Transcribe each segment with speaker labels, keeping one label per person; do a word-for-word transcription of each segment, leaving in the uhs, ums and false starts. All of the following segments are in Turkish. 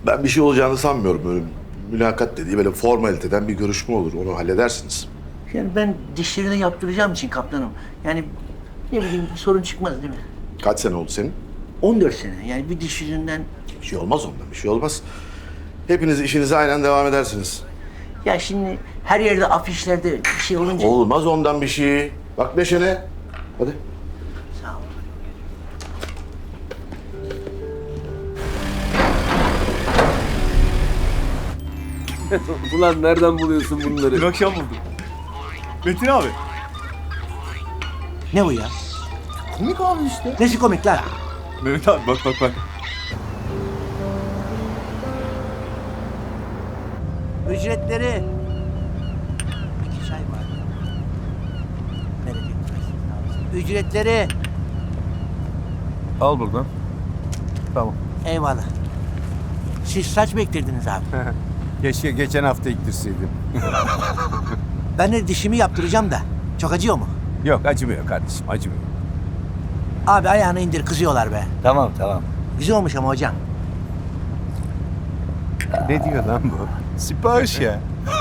Speaker 1: Ben bir şey olacağını sanmıyorum. Böyle mülakat dediği böyle formaliteden bir görüşme olur. Onu halledersiniz.
Speaker 2: Yani ben dişlerini yaptıracağım için kaptanım. Yani ne bileyim sorun çıkmaz değil mi?
Speaker 1: Kaç sene oldu senin?
Speaker 2: on dört sene yani bir diş yüzünden.
Speaker 1: Bir şey olmaz ondan, bir şey olmaz. Hepiniz işinize aynen devam edersiniz.
Speaker 2: Ya şimdi her yerde afişlerde bir şey olunca...
Speaker 1: Olmaz ondan bir şey. Bak neşene. Hadi.
Speaker 2: Sağ ol.
Speaker 3: Ulan nereden buluyorsun bunları?
Speaker 4: Dün akşam buldum. Metin abi.
Speaker 2: Ne bu ya?
Speaker 4: Komik abi işte.
Speaker 2: Nesi komik lan?
Speaker 4: Mehmet abi bak bak bak.
Speaker 2: Ücretleri. İki çay var. Bereket versin. Ücretleri.
Speaker 4: Al buradan. Tamam.
Speaker 2: Eyvallah. Siz saç mı ektirdiniz abi?
Speaker 5: Keşke geçen hafta ektirseydim.
Speaker 2: Ben de dişimi yaptıracağım da. Çok acıyor mu?
Speaker 5: Yok acımıyor kardeşim acımıyor.
Speaker 2: Abi ayağını indir kızıyorlar be.
Speaker 5: Tamam tamam.
Speaker 2: Güzel olmuş ama hocam.
Speaker 5: Ne diyor lan bu? Sipariş ya.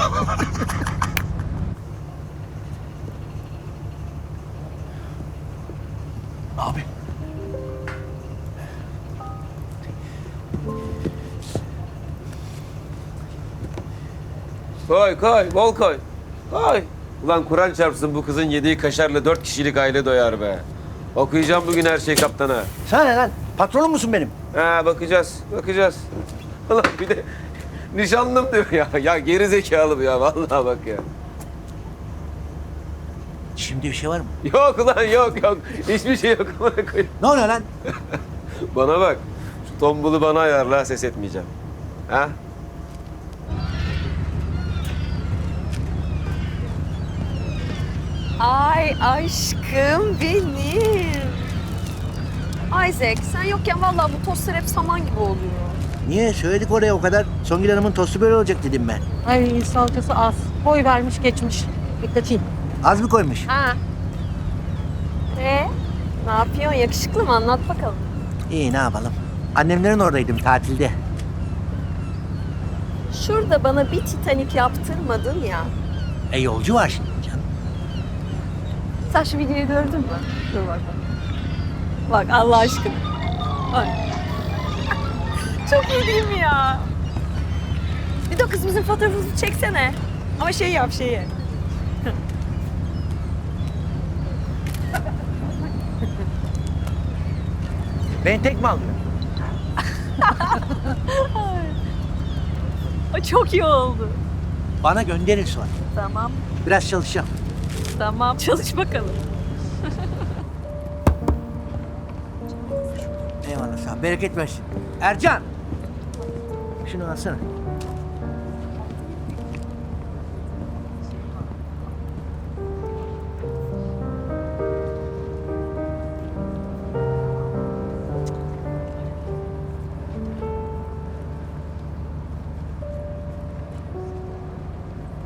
Speaker 2: Abi.
Speaker 3: Koy koy, bol koy. Koy. Ulan Kur'an çarpsın bu kızın yediği kaşarla dört kişilik aile doyar be. Okuyacağım bugün her şey kaptana.
Speaker 2: Sana ne lan? Patronun musun benim?
Speaker 3: Ha bakacağız, bakacağız. Ulan bir de nişanlım diyor ya. Ya geri zekalı bu ya vallahi bak ya.
Speaker 2: Şimdi bir şey var mı?
Speaker 3: Yok ulan yok yok. Hiçbir şey yok.
Speaker 2: Ne oluyor lan?
Speaker 3: Bana bak. Şu tombulu bana ayarla ses etmeyeceğim. Ha?
Speaker 6: Ay aşkım benim. Isaac sen yokken vallahi bu tostlar hep saman gibi oluyor.
Speaker 2: Niye? Söyledik oraya o kadar. Songül Hanım'ın tostu böyle olacak dedim ben.
Speaker 7: Ay salçası az. Boy vermiş geçmiş. Dikkatli.
Speaker 2: Az mı koymuş?
Speaker 6: Ha. Ee, ne yapıyorsun? Yakışıklı mı? Anlat bakalım.
Speaker 2: İyi ne yapalım. Annemlerin oradaydım tatilde.
Speaker 6: Şurada bana bir Titanic yaptırmadın ya.
Speaker 2: E yolcu var şimdi canım.
Speaker 6: Sen şu videoyu gördün mü? Dur bak. Bak Allah aşkına. Bak. Çok iyi değil mi ya? Bir de kızımızın fotoğrafını çeksene. Ama şey yap şeyi.
Speaker 2: Ben tek mi aldım?
Speaker 6: O çok iyi oldu.
Speaker 2: Bana gönderin sonra.
Speaker 6: Tamam,
Speaker 2: Biraz çalışacağım.
Speaker 6: tamam. Çalış bakalım.
Speaker 2: Eyvallah sağ ol. Bereket versin. Ercan! Şunu alsana.